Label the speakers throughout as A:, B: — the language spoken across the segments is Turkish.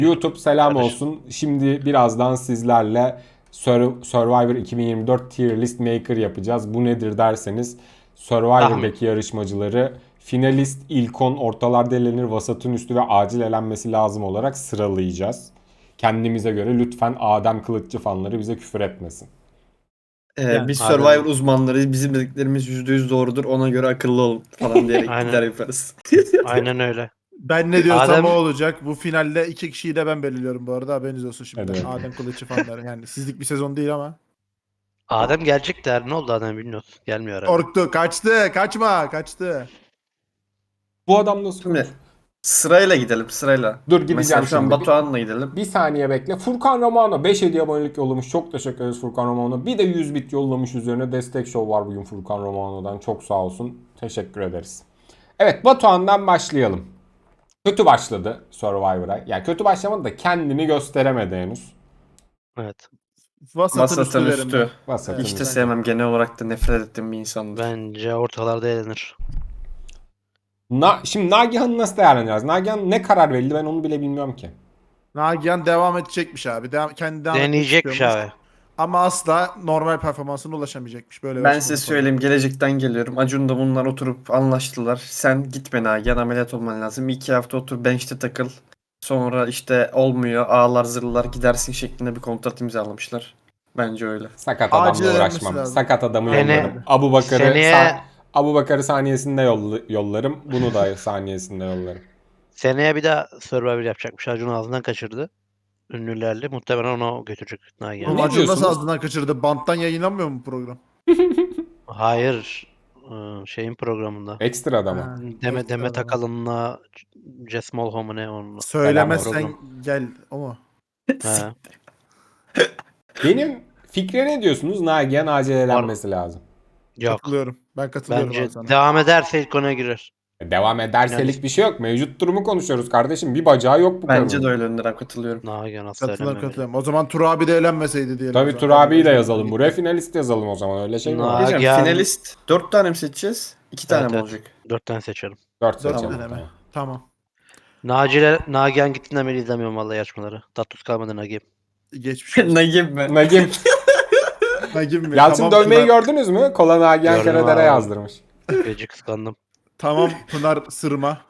A: YouTube selam
B: Karış.
A: olsun. Şimdi birazdan sizlerle Survivor 2024 Tier List Maker yapacağız. Bu nedir derseniz Survivor'daki yarışmacıları finalist, ilkon, ortalarda elenir, vasatın üstü ve acil elenmesi lazım olarak sıralayacağız. Kendimize göre lütfen Adem Kılıççı fanları bize küfür etmesin.
C: Yani,
B: Biz
C: Adem-
B: Survivor uzmanlarıyız. Bizim dediklerimiz %100 doğrudur. Ona göre akıllı olun falan diyerek
C: Aynen.
B: gider yaparız.
C: Aynen öyle.
D: Ben ne diyorsam
C: Adem-
D: o olacak. Bu finalde iki kişiyi de ben belirliyorum bu arada. Haberiniz olsun şimdi.
A: Evet.
D: Adem Kılıççı fanları. Yani sizlik bir sezon değil ama.
C: Adem gelecek der. Ne oldu Adem bilmiyoruz. Gelmiyor herhalde.
D: Korktu. Kaçtı. Kaçma. Kaçtı.
A: Bu adam nasıl
B: Şimdi
A: konuşuyor?
B: sırayla gidelim sırayla.
A: Dur, gideceğim
B: Mesela şu an
A: şimdi.
B: Batuhan'la gidelim.
A: Bir saniye bekle. Furkan Romano 5 hediye abonelik yollamış. Çok teşekkür ederiz Furkan Romano. Bir de 100 bit yollamış üzerine. Destek show var bugün Furkan Romano'dan. Çok sağ olsun. Teşekkür ederiz. Evet, Batuhan'dan başlayalım. Kötü başladı Survivor'a. Yani kötü başlamadı da kendini gösteremedi henüz.
C: Evet.
D: Vasatın üstü
B: Masatın
D: verin
B: üstü.
A: Vasatın
B: Hiç de
A: üstü.
B: sevmem. Genel olarak da nefret ettiğim bir insandır.
C: Bence ortalarda eğlenir.
A: Şimdi Nagihan'ı nasıl değerlendireceğiz? Nagihan ne karar verildi, ben onu bile bilmiyorum ki.
D: Nagihan devam edecekmiş abi. Kendi devam etmek
C: Deneyecekmiş
D: istiyormuş.
C: abi.
D: Ama asla normal performansına ulaşamayacakmış. Böyle bir
B: Ben
D: açıklama
B: size
D: falan.
B: söyleyeyim. Gelecekten geliyorum. Acun'da bunlar oturup anlaştılar. Sen gitme Nagihan, ameliyat olman lazım. 2 hafta otur bench'te takıl. Sonra işte olmuyor, ağlar zırlar gidersin şeklinde bir kontrat imzalamışlar. Bence öyle.
A: Sakat
D: Acil
A: adamla
D: elenmesi
A: uğraşmam.
D: lazım.
A: Sakat adamı
C: Sene-
A: yollarım. Abu Bakar'ı
C: seneye-
A: Abu Bakar'ı saniyesinde yollarım. Bunu da saniyesinde yollarım.
C: Seneye bir daha Survivor yapacakmış. Acun ağzından kaçırdı. Ünlülerle. Muhtemelen onu götürecek Nagihan.
D: Oğlum
A: Ne
D: Acun nasıl
A: diyorsunuz?
D: ağzından kaçırdı? Banttan yayınlanmıyor mu bu program?
C: Hayır. Şeyin programında.
A: Ekstra adamı.
D: Ha,
C: Demet
D: ekstra ama.
C: Akalın'la Jess Mulholm'u ne onunla.
D: Söylemezsen
C: Program.
D: gel. O mu?
C: He.
A: Benim fikre ne diyorsunuz? Nagihan acil elenmesi lazım.
C: Yok.
D: Katılıyorum. Ben katılıyorum
C: Bence
D: abi sana.
C: devam ederse ilk ona girer.
A: Devam ederselik bir şey yok. Mevcut durumu konuşuyoruz kardeşim. Bir bacağı yok bu
B: Bence
A: kadının.
B: de öyle Önder abi, katılıyorum.
C: Nagihan asla
D: Katılıyorum
C: eğlenmemeli.
D: katılıyorum. O zaman Tur abi de eğlenmeseydi diyelim.
A: Tabii
D: o zaman.
A: Tur abiyi de
D: Hadi
A: yazalım
D: gitti.
A: buraya. Finalist yazalım o zaman. Öyle şey mi var?
C: Nagihan-
B: Diyeceğim, finalist 4 tane mi seçeceğiz? 2 tane mi
C: Evet.
B: olacak?
C: 4 tane seçelim.
A: 4
D: Dört
A: seçelim.
D: tane mi?
A: Tamam.
D: Tamam.
C: Nagihan gittiğinden beri izlemiyorum vallahi yarışmaları. Tatlus kalmadı Nagihan.
D: Geçmiş olsun.
B: Nagib mi?
A: Nagim.
D: Nagim mi?
A: Yalçın
D: Tamam,
A: dövmeyi
D: Pınar,
A: gördünüz mü? Kola Nagihan
C: Gördüm
A: Karadere
C: abi.
A: yazdırmış.
C: Gece kıskandım.
D: Tamam Pınar Sırma.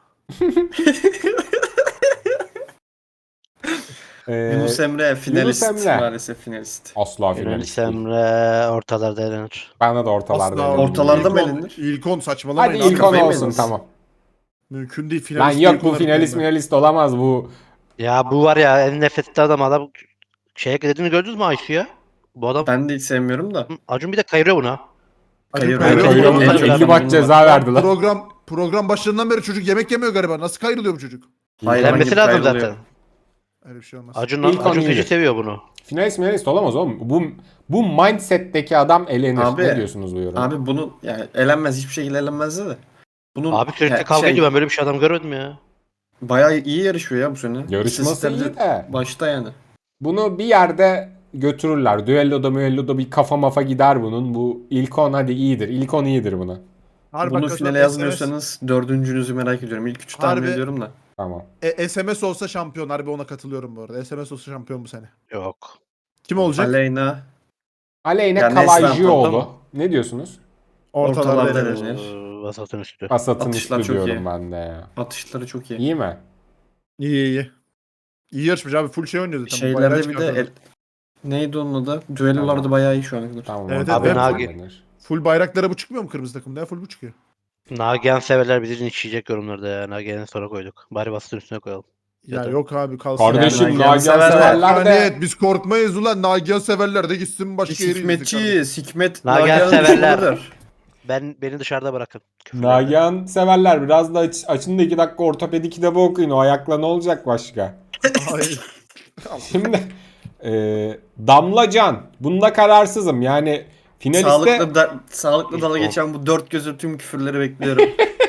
B: Yunus Emre finalist.
A: Emre.
B: Maalesef finalist.
A: Asla
C: Yunus
A: finalist değil.
C: Emre ortalarda eğlenir.
A: Bana da ortalarda.
D: Asla
A: eğlendim.
B: Ortalarda mı
D: İlk on-
B: elenir?
D: İlk 10 saçmalamayın.
A: Hadi
D: abi.
A: ilk on
B: kafayı mı
A: olsun,
B: yediniz?
A: tamam.
D: Mümkün değil.
A: Lan
D: Finalist
A: yok,
D: ilk
A: bu
D: onları
A: finalist
D: bilmem.
A: olamaz bu.
C: Ya bu var ya en nefret ettiği adam şeye dediğini gördünüz mü Aysu ya? Bu adam
B: Ben de hiç sevmiyorum da.
C: Acun bir de kayırıyor buna.
D: Acun
B: Kayır-
D: kayırıyor.
C: Kayır-
A: Kayıramıyor.
C: Kayıramıyor.
A: 50 maç ceza verdiler.
D: Program başlarından beri çocuk yemek yemiyor galiba. Nasıl kayrılıyor bu çocuk?
B: Hayvan
C: Eğlenmesi
B: gibi
C: lazım
B: kayrılıyor.
C: zaten.
D: Öyle bir şey olmaz.
A: İlk on
C: Acun
A: iyidir.
C: feci seviyor bunu.
A: Finalist olamaz oğlum. Bu mindset'teki adam elenir.
B: Abi-
A: Ne diyorsunuz bu yoruma?
B: Abi bunu yani elenmez, hiçbir şekilde elenmez de. Bunun
C: Abi sürekli
B: ya
C: kavga ediyor, ben böyle bir şey adam görmedim ya.
B: bayağı iyi yarışıyor ya bu sene.
A: Yarışması
B: İstatistikler
A: iyi de.
B: başta yani.
A: Bunu bir yerde götürürler. Düelloda bir kafa mafa gider bunun. Bu ilk 10 hadi iyidir. İlk 10 iyidir buna.
D: Harbi
B: Bunu
D: bak,
B: finale
D: SMS
B: yazmıyorsanız dördüncünüzü merak ediyorum. İlk 3'ü tahmin
D: Harbi-
B: ediyorum da.
A: Tamam.
D: SMS olsa şampiyon. Harbi ona katılıyorum bu arada. SMS olsa şampiyon bu sene.
C: Yok.
D: Kim olacak?
B: Aleyna
A: Aleyna
B: Yani Neslihan
A: Kalaycıoğlu.
B: toplam-
A: Ne diyorsunuz?
D: Ortalarda
B: ortalarda
D: elenir.
B: elenir.
C: Vasatın üstü.
A: Pasat'ın
B: Atışlar
A: üstü
B: çok
A: diyorum
B: iyi.
A: ben de ya.
B: Atışları çok iyi.
A: İyi mi?
D: İyi. İyi yarışmış abi. Full şey oynuyor zaten. Bu bayrağı
B: Şeylerde bir de
D: çıkartıyorlar.
B: neydi onun adı? Düellolarda
A: Tamam.
B: bayağı iyi şu ana kadar.
A: Tamam.
D: Evet,
A: ortada
C: evet. Abi
A: elenir.
D: Full bayraklara bu çıkmıyor mu kırmızı takımda ya? Full bu çıkıyor.
C: Nagihan severler bizi linçleyecek yorumlarda ya. Nagihan'ı sonra koyduk. Bari vasatın üstüne koyalım.
D: Ya
C: Yeter.
D: yok abi kalsın.
A: Kardeşim
B: Yani
A: Nagihan
B: severler.
A: severler de.
D: Evet biz korkmayız ulan. Nagihan severler de gitsin başka
B: Biz
D: yere izlesin kardeşim.
B: hikmetçiyiz. Hikmet
C: Nagihan
B: Nagihan'ın
C: severler.
B: düşmanıdır.
C: Beni dışarıda bırakın. Küfürlerden.
A: Nagihan severler. Biraz da açın da 2 dakika ortopedi kitabı okuyun. O ayakla ne olacak başka?
D: Hayır.
A: Şimdi Damla Can. Bunda kararsızım. Yani finaliste
B: Sağlıklı dala
C: İlk
B: geçen bu dört gözü tüm küfürleri bekliyorum.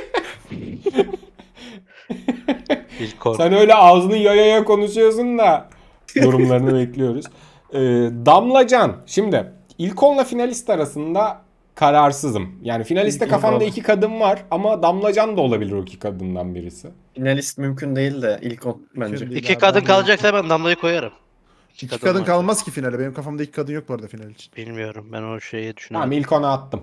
C: İlk kork.
A: sen öyle ağzını yaya konuşuyorsun da yorumlarını bekliyoruz. Damla Can. Şimdi ilk onla finalist arasında kararsızım. Yani finaliste
D: İlk
A: kafamda
B: oldu.
A: 2 kadın var ama Damlacan da olabilir o 2 kadından birisi.
B: Finalist mümkün değil de ilk 10 bence.
D: Mümkün değil
C: İki
D: abi,
C: kadın
D: ben de-
C: kalacaksa ben Damla'yı koyarım.
D: İki kadın
C: varsa.
D: kalmaz ki finale. Benim kafamda iki kadın yok bu arada final için.
C: Bilmiyorum. Ben o şeyi
A: Tamam
C: düşünüyorum.
A: ilk ona attım.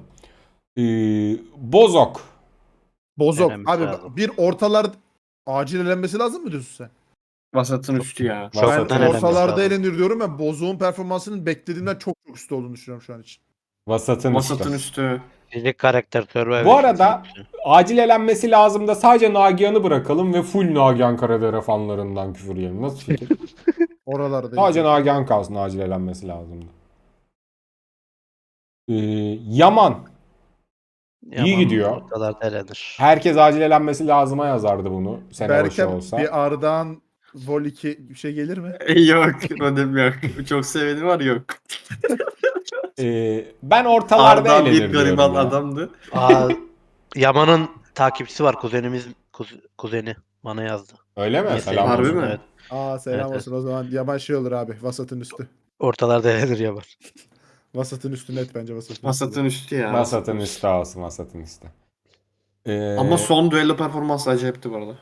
A: Bozok.
D: Bozok.
C: Elenmesi
D: Abi
C: lazım.
D: bir ortalar acil elenmesi lazım mı diyorsun sen?
B: Vasatın üstü ya.
C: Çok
A: Vasat'ın
D: Ben
C: elenmesi
D: ortalarda
C: lazım.
D: elenir diyorum. Ben Bozok'un performansının beklediğimden çok çok üstü olduğunu düşünüyorum şu an için.
A: Vasatın
B: Vasatın
A: üstü.
B: üstü.
C: Fizik karakter Survivor.
A: Bu arada acil elenmesi lazım da sadece Nagihan'ı bırakalım ve full Nagihan Karadere fanlarından küfür yiyelim. Nasıl fikir?
D: Oralarda.
A: Sadece Nagihan kalsın, acil elenmesi lazımdı. Yaman. İyi gidiyor.
C: Ortalarda elenir.
A: Herkes acil elenmesi lazıma yazardı bunu. Sene başı
D: Berke
A: olsa.
D: bir Ardahan Vol 2 bir şey gelir mi?
B: Yok. Rodem yok. Çok seveni var yok.
A: Ben ortalarda
B: Arda bir
A: elenir diyorum
B: gariban
A: ya.
B: adamdı.
C: Yaman'ın takipçisi var. Kuzenimiz kuzeni bana yazdı.
A: Öyle mi?
C: Niye
A: Selam
B: Harbi
A: olsun.
B: mi?
C: Evet.
D: Selam
C: Evet,
D: olsun o zaman. Yaman şey olur abi. Vasatın üstü.
C: Ortalarda elenir Yaman.
D: Vasatın üstü net bence vasatın
B: Vasatın üstü ya.
A: Vasat'ın üstü olsun, Vasat'ın üstü.
B: Ama son düello performansı acayipti bu arada.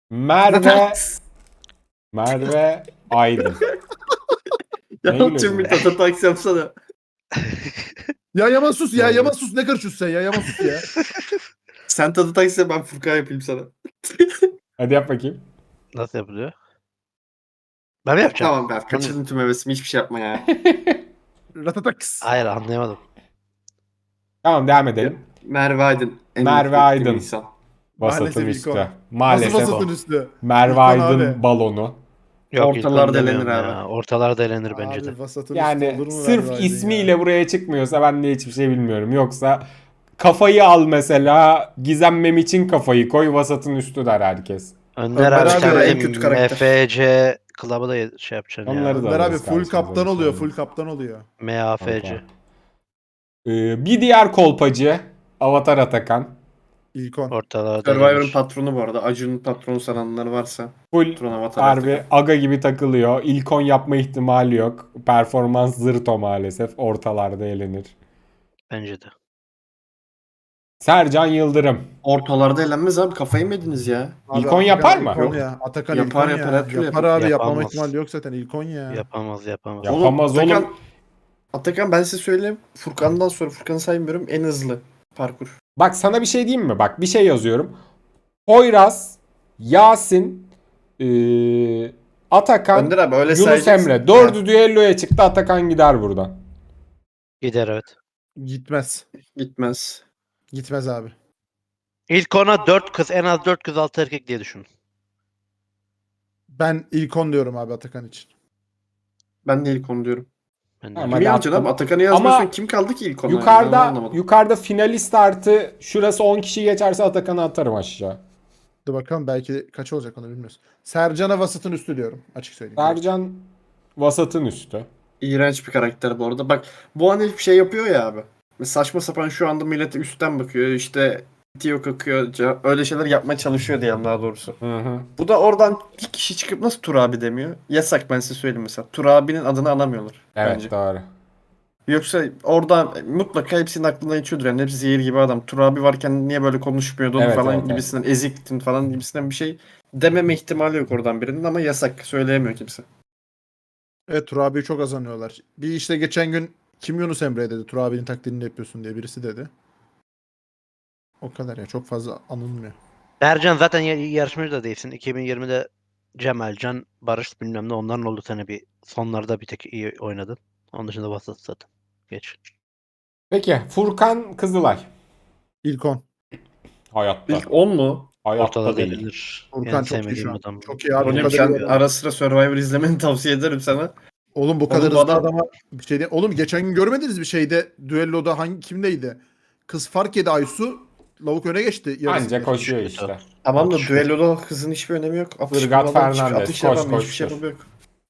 A: Merve Aydın.
B: Ya
A: Ne gülüyorsun
B: tüm bir
A: ya?
B: tatataks yapsana.
D: Ya Yaman sus ya.
A: Doğru.
D: Yaman sus. Ne karışıyorsun sen ya? Yaman sus ya.
B: Sen tatataks yap, ben Furkan yapayım sana.
A: Hadi yap bakayım.
C: Nasıl yapılıyor? Ben mi yapacağım?
B: Tamam ben kaçırdın tüm hevesimi, hiçbir şey yapma ya.
D: Ratataks.
C: Hayır anlayamadım.
A: Tamam devam edelim.
B: Merve Aydın. En
A: Merve
B: nefret ettiğim
A: Aydın.
B: insan.
A: Vasat'ın
D: Maalesef
A: üstü.
D: ilk o.
A: Maalesef
D: Nasıl
A: o.
D: vasatın üstü?
A: Merve
D: İlk on
A: Aydın
D: abi.
A: balonu.
C: Yok, ilk
B: Ortalarda
C: onu demiyorum
B: elenir
C: ya.
B: abi.
C: Ortalarda elenir bence de.
D: Abi vasatın üstü
A: Yani
D: olur mu
A: sırf
D: Merve Aydın
A: ismiyle
D: ya?
A: buraya çıkmıyorsa ben de hiçbir şey bilmiyorum. Yoksa kafayı al mesela, Gizem Mem için kafayı koy, Vasat'ın üstü der herkes.
C: Önder
D: Önder
C: abi
D: abi
C: sen
B: en
C: bizim
B: kötü karakter.
C: MFC Club'ı da şey yapacaksın
A: Onları
C: ya.
A: da
D: Önder abi
A: alırız
D: full
A: karşımıza,
D: kaptan
A: bir şey
D: oluyor.
A: olmaz.
D: Full kaptan oluyor.
C: MAFC.
A: Kanka. Bir diğer kolpacı Avatar Atakan.
D: İlk 10.
C: Ortalarda
B: Survivor'ın
C: elenir.
B: patronu bu arada. Acun'un patronu sananlar varsa.
A: Full
B: Patron Avatar
A: harbi
B: Atakan.
A: aga gibi takılıyor. İlkon yapma ihtimali yok. Performans zırto maalesef. Ortalarda elenir.
C: Bence de.
A: Sercan Yıldırım.
B: Ortalarda elenmez abi, kafayı mı yediniz ya?
D: Abi
A: İlkon
D: Atakan
A: yapar mı?
D: İlkon
B: Yok.
D: ya. Atakan
B: Yapar,
D: İlkon
B: yapar,
D: ya.
B: her türlü
D: Yapar
B: yapar.
D: abi. Yapmama
C: Yapamaz.
D: ihtimali yok zaten. İlkon ya.
C: Yapamaz.
A: Yapamaz
B: Oğlum,
A: oğlum.
B: Atakan ben size söyleyeyim. Furkan'dan sonra, Furkan'ı saymıyorum, en hızlı parkur.
A: Bak sana bir şey diyeyim mi? Bak bir şey yazıyorum. Poyraz, Yasin, Atakan,
B: Önder abi öyle
A: Yunus
B: sayacaksın.
A: Emre. Dördü düelloya çıktı. Atakan gider buradan.
C: Gider evet.
D: Gitmez.
B: Gitmez.
D: Gitmez abi.
C: İlk ona 4 kız, en az 4 kız 6 erkek diye düşün.
D: Ben İlkon diyorum abi Atakan için.
B: Ben de ilk onu diyorum.
C: Ben de.
A: Tamam,
B: Kimi
A: hadi
B: yazacaksın
A: attım.
B: abi? Atakan'ı yazmıyorsan
A: Ama
B: kim kaldı ki ilk ona?
A: Yukarıda finalist artı şurası 10 kişi geçerse Atakan'ı atarım aşağı.
D: Dur bakalım belki kaç olacak onu bilmiyoruz. Sercan'a vasatın üstü diyorum. Açık söyleyeyim.
A: Sercan Vasat'ın üstü.
B: İğrenç bir karakter bu arada. Bak bu an hep şey yapıyor ya abi. Saçma sapan şu anda millete üstten bakıyor. İşte Tio kakıyor. Öyle şeyler yapmaya çalışıyor diyelim daha doğrusu.
A: Hı hı.
B: Bu da oradan bir kişi çıkıp nasıl Tur abi demiyor? Yasak, ben size söyleyeyim mesela. Tur abinin adını anamıyorlar
A: Evet
B: bence.
A: doğru.
B: Yoksa oradan mutlaka hepsinin aklından geçiyordur. Yani hepsi zehir gibi adam. Tur abi varken niye böyle konuşmuyordun
A: Evet,
B: falan
A: evet, evet.
B: gibisinden, eziktin falan gibisinden bir şey dememe ihtimali yok oradan birinin, ama yasak. Söyleyemiyor kimse.
D: Evet Tur abiyi çok azanıyorlar. Bir işte geçen gün kim Yunus Emre dedi. Tur abinin taklidini yapıyorsun diye birisi dedi. O kadar ya. Çok fazla anılmıyor.
C: Ercan zaten yarışmacı da değilsin. 2020'de Cemal, Can, Barış bilmem ne onların oldu sene bir sonlarda bir tek iyi oynadın. Onun dışında vasat zaten. Geç.
A: Peki Furkan Kızılay.
D: İlkon.
A: Hayatta.
B: İlk 10 mu?
A: Hayatta
C: Ortada
A: değil.
C: elenir.
D: Furkan
C: En
D: çok iyi
C: sevmediğim
D: şu an.
C: adam.
D: Çok iyi abi. Bu
B: Ronim
D: kadar
B: sen
D: iyi adam.
B: ara sıra Survivor izlemeni tavsiye ederim sana.
D: Oğlum bu kadar
B: Oğlum bu
D: hızlı
B: adam-
D: adama bir şey değil. Oğlum geçen gün görmediniz bir şeyde düelloda kimdeydi? Kız fark yedi Aysu. Lavuk öne geçti. yarısı
A: Anca
D: bile.
A: koşuyor
C: Kötü.
A: işte.
B: Tamam da
C: Atış
B: düelloda hızın hiçbir önemi yok. Atış
A: Irgat
B: bu adam hiçbir
A: Fernandez,
B: atış
A: koş,
B: yapamıyor.
A: koş,
B: Hiçbir şey
A: koş.
B: yapamıyor.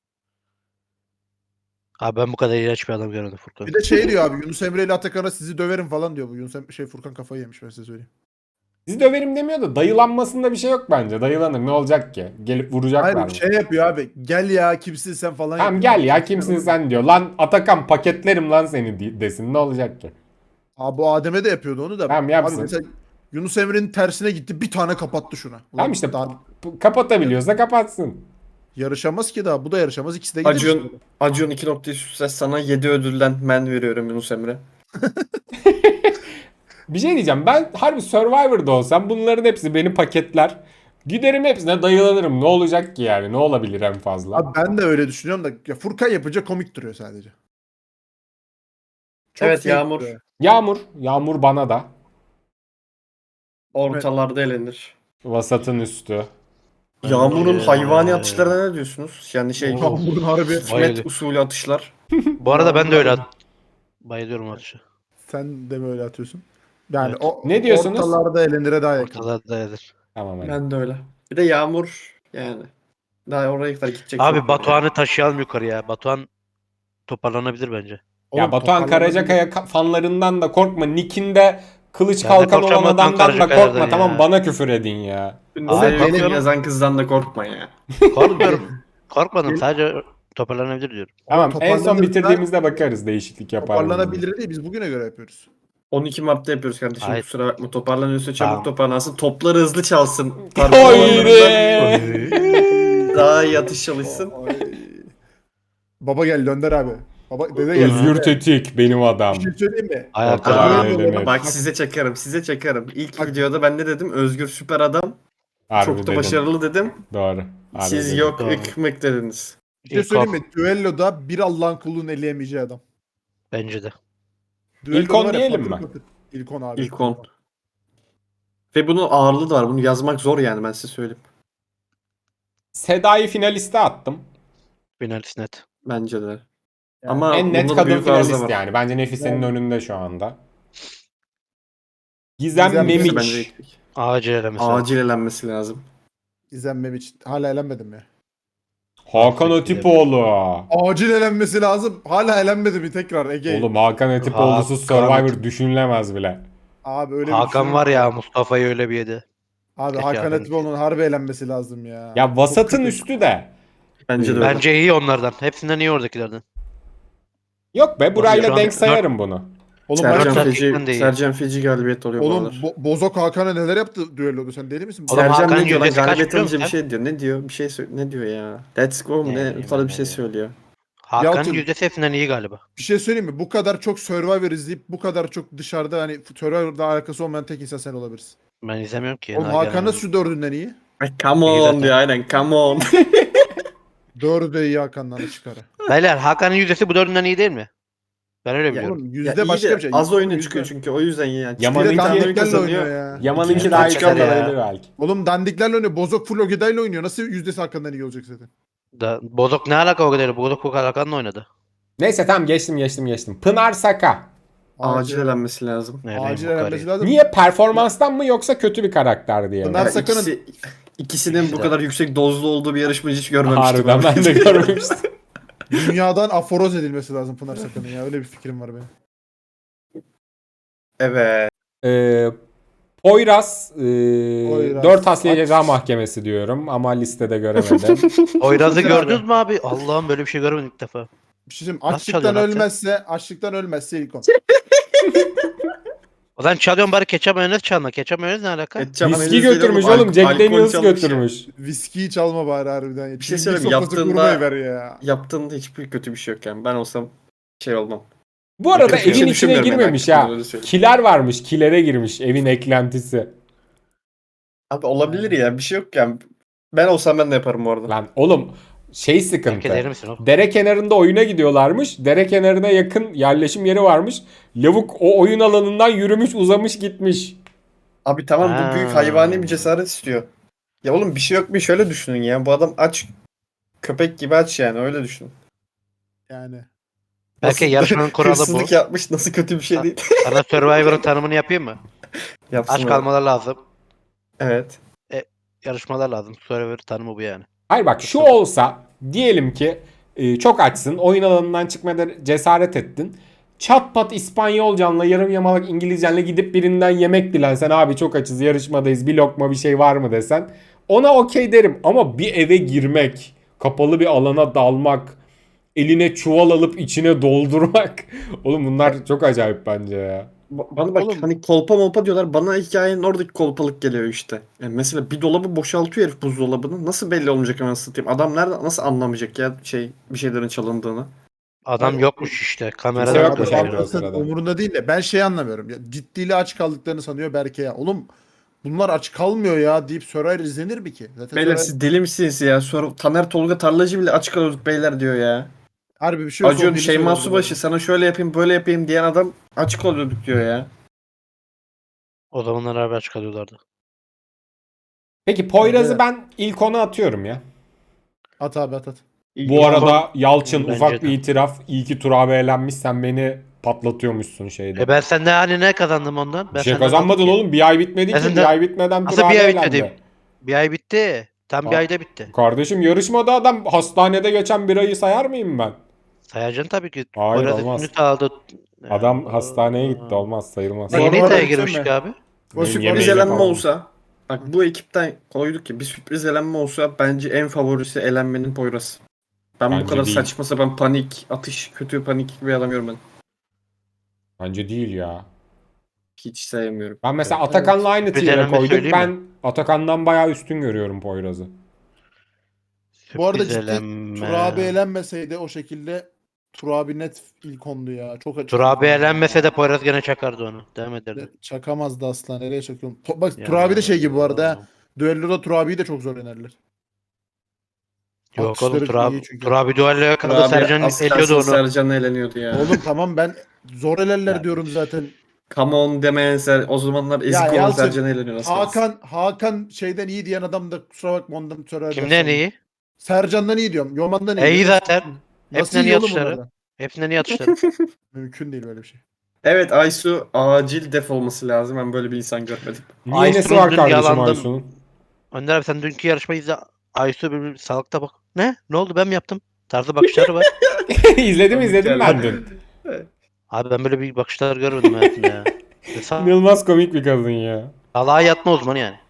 C: Abi ben bu kadar iğrenç bir adam görmedim Furkan.
D: Bir de şey diyor abi Yunus Emre ile Atakan'a sizi döverim falan diyor bu. Furkan kafayı yemiş ben size söyleyeyim.
A: Sizi döverim demiyor da dayılanmasında bir şey yok bence. Dayılanır ne olacak ki? Gelip vuracaklar
D: Hayır
A: mı?
D: şey yapıyor abi. Gel ya kimsin sen falan
A: Tamam
D: yapıyor.
A: gel ya kimsin sen diyor. Lan Atakan paketlerim lan seni desin ne olacak ki?
D: Abi bu Adem'e de yapıyordu onu da.
A: Tamam, yapsın.
D: Abi mesela Yunus Emre'nin tersine gitti bir tane kapattı şuna. Ulan
A: Tamam işte
D: daha
A: kapatabiliyorsa kapatsın.
D: yarışamaz ki daha. Bu da yarışamaz. İkisi de gider işte.
B: Acun 2 noktayı süsle sana 7 ödülden men veriyorum Yunus Emre.
A: Bir şey diyeceğim. Ben harbi Survivor'da olsam bunların hepsi beni paketler. Giderim hepsine dayılanırım. Ne olacak ki yani? Ne olabilir en fazla?
D: Abi ben de öyle düşünüyorum da ya Furkan yapınca komik duruyor sadece. Çok
B: Evet,
D: fake
B: Yağmur.
D: duruyor.
A: Yağmur bana da.
B: Ortalarda elenir.
A: Vasatın üstü.
B: Yağmur'un
C: Bence-
B: hayvani atışlarına ne diyorsunuz? Yani şey
C: Oo.
D: Yağmur'un harbi.
B: Hikmet
C: Bayılıyor.
B: usulü atışlar.
C: Bu arada ben de öyle bayılıyorum atışı.
D: Sen de mi öyle atıyorsun? Yani
C: Evet.
D: o
A: Ne diyorsunuz?
D: ortalarda elenire daha yakın.
C: Ortada dayadır.
A: Tamam hadi.
B: Ben de öyle. Bir de Yağmur yani. Daha oraya kadar gidecek.
C: Abi
B: çok var
C: Batuhan'ı taşıyalım yukarıya. Batuhan toparlanabilir bence.
A: Ya
D: Oğlum,
A: Batuhan
D: toparlanabilir.
A: Karacakaya fanlarından da korkma. Nick'inde kılıç
C: Ya ne
A: kalkan olan
C: korkacağım Batuhan
A: adamdan da
C: Karacakaya'dan
A: korkma.
C: ya.
A: Tamam, bana küfür edin ya.
B: yani.
C: Abi,
B: Sevgilim
C: korkuyorum.
B: yazan kızdan da korkma ya.
C: Korkmuyorum. Korkmadım. Sadece toparlanabilir diyorum.
A: Tamam, en son
D: toparlanırsa-
A: bitirdiğimizde bakarız değişiklik yapar mı?
D: Toparlanabilir değil. Biz bugüne göre yapıyoruz.
B: 12 Mart'ta yapıyoruz kardeşim.
C: Hayır.
B: Kusura bakma. Toparlanıyorsa çabuk
C: Tamam.
B: toparlansın. Topları hızlı çalsın.
A: Haydi.
B: Daha iyi atış çalışsın.
D: Ay. Baba gel Önder abi. Baba dede gel.
A: Özgür Tetik benim adam.
D: Bir şey söyleyeyim mi?
C: Ayakta
A: Ortalar
D: Abi,
A: eğlenir.
B: Bak size çakarım. Size çakarım. İlk
D: Bak-
B: videoda ben ne dedim? Özgür süper adam.
A: Harbi
B: Çok da
A: dedim.
B: başarılı dedim.
A: Doğru. Harbi
B: Siz
A: dedim.
B: yok
C: Doğru.
B: ıkmık dediniz.
D: Bir şey
C: İlk
D: söyleyeyim
C: on.
D: mi? Düelloda bir Allah'ın kulunu eleyemeyeceği adam.
C: Bence de.
D: Düelloda
A: İlk on
D: var ya,
A: diyelim
D: patır
A: mi?
D: patır. İlk 10 abi.
B: İlk 10. Ve bunun ağırlığı da var. Bunu yazmak zor yani, ben size söyleyeyim.
A: Seda'yı finaliste attım.
C: Finalist net.
B: Bence de.
D: Yani
B: Ama
A: En net
B: bunda da
A: kadın
B: büyük arıza
A: finalist
B: var.
A: yani. Bence Nefise'nin
D: Yani-
A: önünde şu anda. Gizem
D: Gizem
B: Bence
A: Memiç.
B: de
C: Acil elemesi.
B: acil elenmesi lazım.
D: İzlenmem için. Hala elenmedim ya.
A: Hakan
C: Affet
A: Atipoğlu.
D: Acil elenmesi lazım. Hala elenmedi mi tekrar Ege?
A: Oğlum Hakan Atipoğlu'suz
C: Hakan-
A: Survivor düşünülemez bile.
D: Abi öyle bir
C: Hakan
D: şey
C: var
D: yok
C: ya, Mustafa'yı öyle bir yedi.
D: Abi
C: Peki
D: Hakan
C: abi.
D: Atipoğlu'nun harbi elenmesi lazım ya.
A: Ya vasatın
D: Çok kötü.
A: üstü de.
B: Bence de öyle.
C: Bence iyi onlardan. Hepsinden iyi oradakilerden.
A: Yok be, burayla
C: Şu an
A: denk sayarım bunu.
D: Oğlum,
C: Sercan
B: Sercan
C: Feci-
B: Feci,
C: Gerçekten de iyi.
B: Sercan Feci galibiyet oluyor bu
D: oğlum
B: aralar.
D: Bozok Hakan'a neler yaptı düelloda, sen deli misin?
C: Oğlum,
B: Sercan
C: Hakan'ın
B: ne diyor lan?
C: yüzdesi kaç
B: Galibiyet
C: biliyor
B: alınca bir
C: musun?
B: şey diyor. Ne diyor? Bir şey ne diyor ya? Let's go mu?
C: Ne
B: Ne?
C: bileyim
B: Falan
C: ben
B: bir şey
C: ya.
B: söylüyor.
C: Hakan'ın
D: Yalçın-
C: yüzdesi hepsinden iyi galiba.
D: Bir şey söyleyeyim mi? Bu kadar çok Survivor izleyip bu kadar çok dışarıda hani Survivor'da alakası olmayan tek insan sen olabilirsin.
C: Ben izlemiyorum ki.
D: Oğlum Hakan nasıl şu dördünden iyi?
B: Ay, come
C: İyi
B: on
C: zaten.
B: diyor aynen, come on.
D: Dördü de iyi Hakan'dan çıkarı.
C: Beyler, Hakan'ın yüzdesi bu dördünden iyi değil mi? Ben öyle
B: Ya,
C: biliyorum.
D: Oğlum
B: Ya
D: yüzde
B: iyi
D: başka
B: de
D: bir şey.
B: az oyuna
D: Yüzde-
B: çıkıyor çünkü o yüzden yani.
A: Yaman'ınki-
D: Bir de
B: Çıkıyor, bir tane oyun
D: dandiklerle oynuyor
B: kazanıyor.
D: ya.
A: Yaman'ınki
B: İkinci
A: daha
B: tur
A: iyi
B: çıkarlar ya.
A: olabilir belki.
D: Oğlum dandiklerle oynuyor. Bozok full Ogeday'la oynuyor. Nasıl yüzdesi Hakan'dan iyi olacak zaten?
C: Bozok ne alaka o kadar? Bozok bu kadar Hakan'la oynadı.
A: Neyse tamam, geçtim. Pınar Saka.
B: Acil elenmesi lazım.
C: Ne bileyim,
D: Acil
C: bu kadar
D: elenmesi
C: iyi.
D: lazım.
A: Niye? Performanstan mı yoksa kötü bir karakter diye mi?
D: Pınar
B: Ya
D: Sakın'ın-
B: ikisinin
C: İkisi
B: bu
C: de.
B: kadar yüksek dozlu olduğu bir yarışmacı hiç görmemiştim.
A: Harbiden ben de görmemiştim.
D: Dünyadan aforoz edilmesi lazım Pınar Sakın'ın ya. Öyle bir fikrim var benim.
B: Evet.
A: Poyraz,
D: Poyraz.
A: 4 Asliye
D: Aç.
A: Ceza Mahkemesi diyorum ama listede göremedim.
C: Oyraz'ı
D: Güzel
C: gördünüz mü abi? Allah'ım, böyle bir şey görmedim ilk defa.
D: Bir şey söyleyeyim.
C: Nasıl
D: Açlıktan
C: çalıyor, ne yapacak?
D: açlıktan ölmezse ilk on.
C: O zaman çalıyorum, bari ketçap mayonez çalma. Ketçap mayonez ne alaka?
B: Ketçap
A: Viski
B: mayonez değil
A: götürmüş
B: oğlum,
A: oğlum. Jack
B: alkol
A: Daniels
B: çalmış ya.
A: götürmüş.
D: Viskiyi çalma bari harbiden.
B: Bir şey
D: Çilingir
B: söyleyeyim,
D: sofrası
B: yaptığında-
D: kurmayı ver ya.
B: Yaptığında hiçbir kötü bir şey yok yani. Ben olsam şey olmam.
A: Bu arada
B: Kötü bir şey
A: evin içine
B: düşünmüyorum yani,
A: girmemiş
B: hakikaten
A: ha.
B: öyle söyleyeyim.
A: Kiler varmış. Kilere girmiş. Evin eklentisi.
B: Abi olabilir ya, bir şey yok yani. Ben olsam ben de yaparım bu arada.
A: Lan oğlum şey
C: Herkes
A: sıkıntı.
C: erir misin oğlum?
A: Dere kenarında oyuna gidiyorlarmış. Dere kenarına yakın yerleşim yeri varmış. Lavuk o oyun alanından yürümüş, uzamış, gitmiş.
B: Abi tamam, bu büyük
C: Ha.
B: hayvani bir cesaret istiyor. Ya oğlum bir şey yok, bir şöyle düşünün ya. Bu adam aç. Köpek gibi aç yani, öyle düşünün.
D: Yani.
C: Belki yarışmanın kuralı bu.
B: Hırsızlık yapmış, nasıl kötü bir şey değil.
C: Sana Survivor'ın tanımını yapayım mı?
B: Yapsın
C: Aç
B: öyle.
C: kalmalar lazım.
B: Evet.
C: Yarışmalar lazım. Survivor tanımı bu yani.
A: Hayır bak, şu olsa diyelim ki çok açsın. Oyun alanından çıkmada cesaret ettin. Çat pat İspanyolcanla yarım yamalak İngilizcenle gidip birinden yemek dilensen, abi çok açız yarışmadayız bir lokma bir şey var mı desen, ona okey derim. Ama bir eve girmek, kapalı bir alana dalmak, eline çuval alıp içine doldurmak. Oğlum bunlar çok acayip bence ya.
B: Bana bak
D: Oğlum.
B: hani kolpa molpa diyorlar. Bana hikayenin oradaki kolpalık geliyor işte. Yani mesela bir dolabı boşaltıyor herif buzdolabını. Nasıl belli olmayacak hemen satayım? Adam nerede nasıl anlamayacak ya bir şeylerin çalındığını?
C: Adam
D: Hayır,
C: yokmuş işte.
A: Kimse
C: Kameradan
A: yokmuş
C: görüyor.
A: evde o
D: anlasın,
A: sırada.
D: umurunda değil de ben şey anlamıyorum. Ya, ciddiyle aç kaldıklarını sanıyor Berke ya. Oğlum bunlar aç kalmıyor ya deyip Survivor izlenir mi ki? Zaten
B: Beyler
D: Survivor
B: siz deli misiniz ya? Sonra Taner Tolga Tarlacı bile açık kalıyorduk beyler diyor ya.
D: harbi bir şey olsa o
B: Acun
D: deli
B: Şeyma
D: söylerdi bu
B: Subaşı
D: arada.
B: sana şöyle yapayım böyle yapayım diyen adam açık oluyorduk diyor ya.
C: O zamanlar haber çıkarıyorlardı.
A: Peki Poyraz'ı
D: Evet.
A: ben ilk ona atıyorum ya.
D: At abi at.
A: Bu arada Yalçın
C: Bence
A: ufak bir
C: de.
A: itiraf. İyi ki Tur abi eğlenmiş. Sen beni patlatıyormuşsun şeyde.
C: Ben senden hani ne kazandım ondan?
A: Bir
C: Ben
A: şey
C: senden aldım
A: kazanmadın
C: ki.
A: oğlum. Bir ay bitmedi
C: Ben
A: ki. Bir
C: senden
A: ay bitmeden Tur
C: nasıl
A: abi
C: bir ay bitmedi?
A: eğlendi.
C: Bir ay bitti. Tam bir ayda bitti.
A: Kardeşim yarışmada adam hastanede geçen bir ayı sayar mıyım ben?
C: Sayacaksın tabii ki.
A: Hayır
C: Poyraz
A: olmaz.
C: üstünü sağladı.
A: Adam hastaneye gitti. Olmaz sayılmaz.
B: Bu arada
C: İngiltere'ye
B: bir şey
C: girmiştik
B: mi?
C: abi.
B: O
A: Benim
B: sürpriz
A: yemeğimi
B: elenme
A: falan.
B: olsa bak bu ekipten koyduk ki bir sürpriz elenme olsa bence en favorisi elenmenin Poyraz. Ben bu
A: Bence
B: kadar
A: değil.
B: saçma sapan panik, atış, kötü panik bir adam görmedim.
A: Bence değil ya.
B: Hiç sevmiyorum.
A: Ben mesela
C: Evet.
A: Atakan'la aynı
C: Sürpriz
A: tier'e
C: elenme
A: koyduk.
C: söyleyeyim mi?
A: Ben Atakan'dan bayağı üstün görüyorum Poyraz'ı.
D: Bu arada
C: Sürpriz
D: ciddi Tur abi
C: elenme.
D: eğlenmeseydi o şekilde Tur abi net ilk ondu ya. Çok açık.
C: Tur abi elenmese de Poyraz gene çakardı onu. Devam ederdi.
D: Çakamazdı asla. Nereye çakıyorum? Bak Tur abi de
C: Ya.
D: şey gibi bu arada. Ha. Düelloda Tur abiyi de çok zor yenerler.
C: Yok oğlum
D: Akışları iyi
C: Tur
D: çünkü.
C: abi duelloya
B: Tur
C: kaldı.
B: abi
C: Sercan
B: az
C: eliyordu
B: kalsın
C: onu.
B: Sercan eğleniyordu ya.
D: Oğlum tamam ben zor elerler
C: Ya,
D: diyorum zaten.
B: Come on demeyen o zamanlar
D: Ya
B: ezik olan
D: Yalçın
B: Sercan eğleniyor az kalsın.
D: Hakan şeyden iyi diyen adam da kusura bakma ondan sonra
C: kimden iyi?
D: Sercan'dan iyi diyorum. Yoman'dan iyi
C: İyi
D: diyorum.
C: zaten.
D: Nasıl
C: Hepsinden
D: iyi
C: iyi
D: oğlum
C: atışları.
D: bunlardan?
C: Hepsinden iyi atışları.
D: Mümkün değil böyle bir şey.
B: Evet Aysu acil def olması lazım. Ben böyle bir insan görmedim.
A: Niye nesi
C: Aysun'un
A: var
C: dün
A: kardeşim
C: yalandım.
A: Aysun'un?
C: Önder abi sen dünkü yarışmayı izle. Aysu bir salakta bak. Ne? Ne oldu ben mi yaptım? Tarzı bakışları var.
A: İzledim
B: Komik
A: izledim
B: geldi.
A: ben dün.
C: Abi ben böyle bir bakışlar görmedim hayatımda ya.
A: İnanılmaz komik bir kadın ya.
C: Salağa yatma uzmanı yani.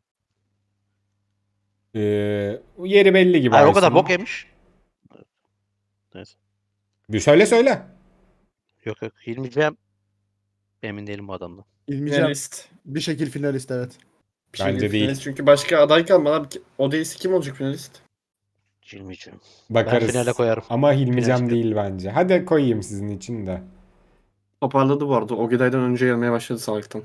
A: Yeri belli gibi
C: Hayır o kadar
A: Aysun'un.
C: bok yemiş. Neyse.
A: Bir söyle.
C: Yok yok. Hilmi'ciğim. Emin değilim bu adamdan.
D: İlmican
B: Finalist.
D: bir şekil finalist evet.
B: Bir
A: Bence
B: şekilde
A: değil.
B: finalist. Çünkü başka aday kalmadı. Abi. O değilse kim olacak finalist?
C: Hilmi'ciğim.
A: Bakarız.
C: finale koyarım.
A: Ama Hilmicem
C: Finalist
A: değil bence. Hadi koyayım sizin için de.
B: Toparladı bu arada. Ogeday'dan önce gelmeye başladı salaktan.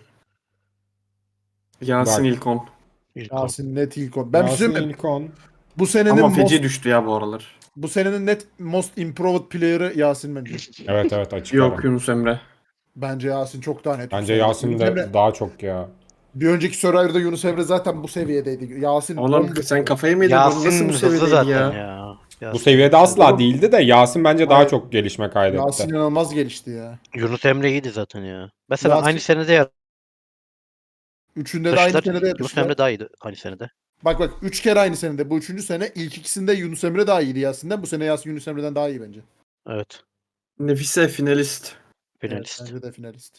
B: Yasin
A: Bak.
B: İlkon.
C: İlk on.
D: Yasin net ilk on. Ben bir şey
A: Yasin
D: söyleyeyim mi?
A: İlkon.
D: Bu senenin
B: Ama
D: most,
B: feci düştü ya bu aralar.
D: bu senenin net most improved player'ı Yasin bence.
A: Evet açık
B: Yok
A: ara.
B: Yunus Emre.
D: Bence Yasin çok daha net. bu
A: Bence
D: sene.
A: Yasin
D: Yunus
A: de
D: Emre,
A: daha çok ya.
D: bir önceki Survivor'da Yunus Emre zaten bu seviyedeydi. Yasin
B: Oğlum
D: bomba.
B: sen kafayı mı yedin? Nasıl
C: Yasin
B: bu
C: hızlı
B: seviyedeydi
C: zaten
B: ya?
C: ya.
A: Bu
C: Yasin.
A: seviyede asla
B: Oğlum.
A: değildi de Yasin bence daha
D: Hayır.
A: çok gelişme kaydetti.
D: Yasin inanılmaz gelişti ya.
C: Yunus Emre iyiydi zaten ya. Mesela
D: Yasin-
C: aynı senede
D: Üçünde de aynı
C: yarıştılar.
D: senede
C: Yunus
D: yapıştılar.
C: Emre daha iyiydi aynı senede.
D: Bak 3 kere aynı senede. Bu üçüncü sene. İlk ikisinde Yunus Emre daha iyiydi Yasin'den. Bu sene Yasin Yunus Emre'den daha iyi bence.
C: Evet.
B: Nefise finalist.
C: Finalist.
D: Evet, bence de finalist.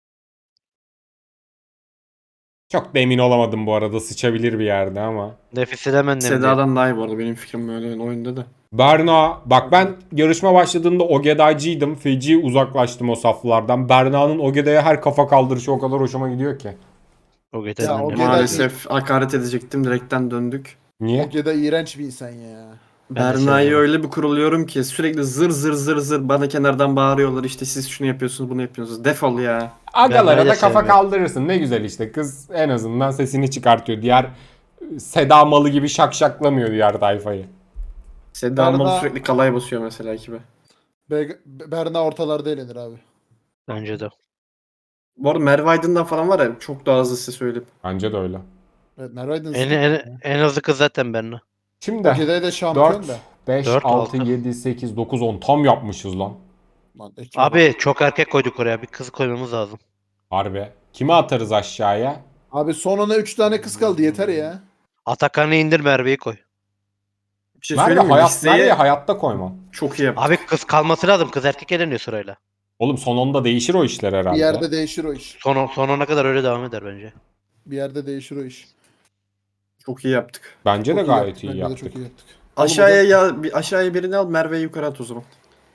A: Çok da emin olamadım bu arada. Sıçabilir bir yerde ama.
C: Nefis hemen
B: Seda'dan daha iyi bu arada benim fikrim böyle oyunda da.
A: Berna. Bak ben yarışma başladığında Ogeday'cıydım. Feci uzaklaştım o saflardan. Berna'nın Ogeday'a her kafa kaldırışı o kadar hoşuma gidiyor ki.
C: O
D: Ya,
C: geçen
D: o
C: de.
D: Gedai-
B: Maalesef hakaret edecektim. Direkten döndük.
A: Niye?
D: Ogeda iğrenç bir insan ya.
C: Ben de
B: Berna'yı
C: sevmiyorum.
B: öyle bir kuruluyorum ki sürekli zır zır zır zır bana kenardan bağırıyorlar işte siz şunu yapıyorsunuz bunu yapıyorsunuz. Defol ya.
A: Agalara
C: Berna'yı
A: da
C: da
A: kafa
C: sevmiyorum.
A: kaldırırsın. Ne güzel işte. Kız en azından sesini çıkartıyor. Diğer Seda malı gibi şakşaklamıyor diğer tayfayı.
B: Seda
D: Berna-
B: Almalı sürekli kalay basıyor mesela ekibe.
D: Berna ortalarda eğlenir abi.
C: Bence de.
B: Bu arada Merve Aydın'dan falan var ya çok daha hızlı size söyleyeyim.
A: Bence de öyle.
D: Evet, Merve Aydın
C: En hızlı kız zaten Berna.
A: Şimdi
D: Ogeda'ya da şampiyon
A: 4,
D: da.
A: 5,
C: 4,
A: 6,
C: 6.
A: 7, 8, 9, 10 tam yapmışız lan.
D: Lan, ekibe bak.
C: Abi çok erkek koyduk oraya. Bir kız koymamız lazım.
A: Harbi. Kimi atarız aşağıya?
D: Abi son ona 3 tane kız kaldı yeter ya.
C: Atakan'ı indir Merve'yi koy.
B: Bir şey
A: Merve,
B: söyleyeyim mi? Listeye
A: Merve'yi hayatta koymam.
B: çok iyi yaptık.
C: Abi kız kalması lazım. Kız erkek eleniyor sırayla.
A: Oğlum son onda değişir o işler herhalde.
D: Bir yerde değişir o iş.
C: Son ona kadar öyle devam eder bence.
D: Bir yerde değişir o iş.
B: Çok iyi yaptık.
A: Bence de
D: Çok
A: gayet
D: yaptık,
A: iyi
D: bence de
A: yaptık.
D: çok iyi yaptık.
B: Aşağıya ya aşağıya birini al Merve'yi yukarı at o zaman.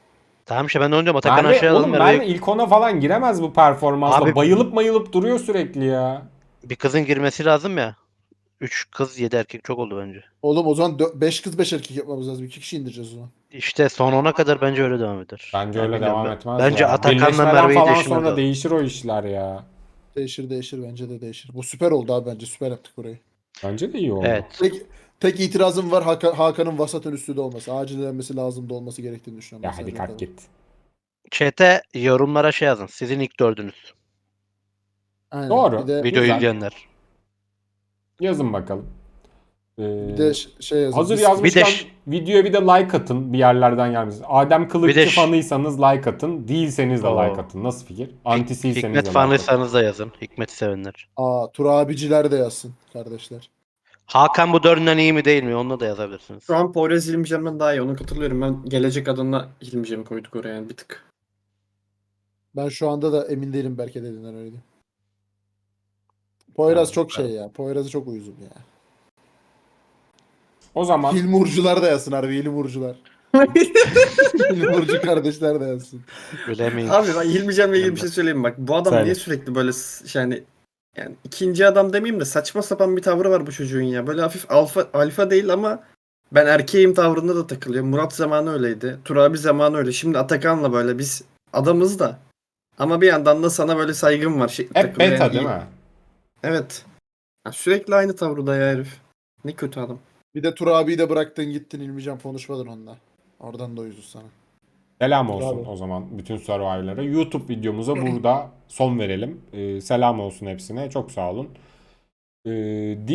C: Tamam işte ben de onu diyorum. Atakan
A: Merve,
C: aşağıya
A: oğlum
C: alalım.
A: Merve
C: Merve'yi
A: ilk ona falan giremez bu performansla.
C: Abi-
A: Bayılıp mayılıp duruyor sürekli ya.
C: bir kızın girmesi lazım ya. 3 kız 7 erkek çok oldu bence.
D: Oğlum o zaman 5 kız 5 erkek yapmamız lazım. 2 kişi indireceğiz o zaman.
C: İşte son 10'a kadar bence öyle devam eder.
A: Bence
C: Yani
A: öyle
C: bilmiyorum
A: devam
C: ben.
A: etmez
C: Bence
A: ya.
C: Atakan'la
A: Birleşmeden
C: Merve'yi
A: falan
C: değiştirmemiz
A: sonra
C: lazım.
A: değişir o işler ya.
D: Değişir bence de değişir. Bu süper oldu abi bence. Süper yaptık burayı.
A: Bence de iyi oldu.
C: Evet.
D: Tek itirazım var Hakan'ın vasatın üstünde olması. Acilenmesi lazım da olması gerektiğini düşünüyorum.
A: Ya
D: ben
A: hadi
D: sadece o
A: kalk
D: kadar.
A: git.
C: Chat'e yorumlara şey yazın. Sizin ilk dördünüz.
D: Aynen.
A: Doğru.
D: Bir de,
C: Videoyu
A: Güzel.
C: izleyenler.
A: Yazın bakalım.
D: bir de şey yazın.
A: Hazır
D: Biz-
A: yazmışken
C: Bir de
A: videoya bir de like atın bir yerlerden gelmesin. Adem
C: Bir
A: Kılıççı
C: de
A: fanıysanız like atın. Değilseniz de
C: Oo.
A: like atın. Nasıl fikir? Antisiyseniz de
C: Hikmet
A: like atın.
C: fanıysanız da yazın. Hikmet'i sevenler.
D: Tur abiciler de yazsın kardeşler.
C: Hakan bu dördünden iyi mi değil mi? Onunla da yazabilirsiniz.
B: Şu an Poyraz İlmicem'den daha iyi. Onu katılıyorum. Ben gelecek adına İlmicem'i koyduk oraya yani bir tık.
D: Ben şu anda da emin değilim Berke dediğinden öyle. Poyraz
C: Tamam,
D: çok şey ya. Poyraz'ı çok uyuzum ya.
A: O zaman
D: Hilmi Urcular da yazsın harbi. Hilmi Urcular. Hilmi Urcu kardeşler de yazsın.
C: Bilemeyiz.
B: Abi ben İlmicem'le ilgili bir şey söyleyeyim bak. Bu adam
A: Söyle.
B: niye sürekli böyle yani ikinci adam demeyeyim de saçma sapan bir tavrı var bu çocuğun ya. Böyle hafif alfa değil ama ben erkeğim tavrında da takılıyor. Murat zamanı öyleydi. Turabi zamanı öyle. Şimdi Atakan'la böyle biz adamız da. Ama bir yandan da sana böyle saygım var.
A: hep
B: takılıyor
A: beta
B: yani.
A: değil mi?
B: Evet. Ya sürekli aynı tavrıda ya herif. Ne kötü adam.
D: Bir de Tur abiyi de bıraktın gittin İlmican konuşmadın onunla. Oradan da uyuzuz sana.
A: Selam olsun
D: Bravo.
A: o zaman bütün Survivor'lara. YouTube videomuza burada son verelim. Selam olsun hepsine. Çok sağ olun.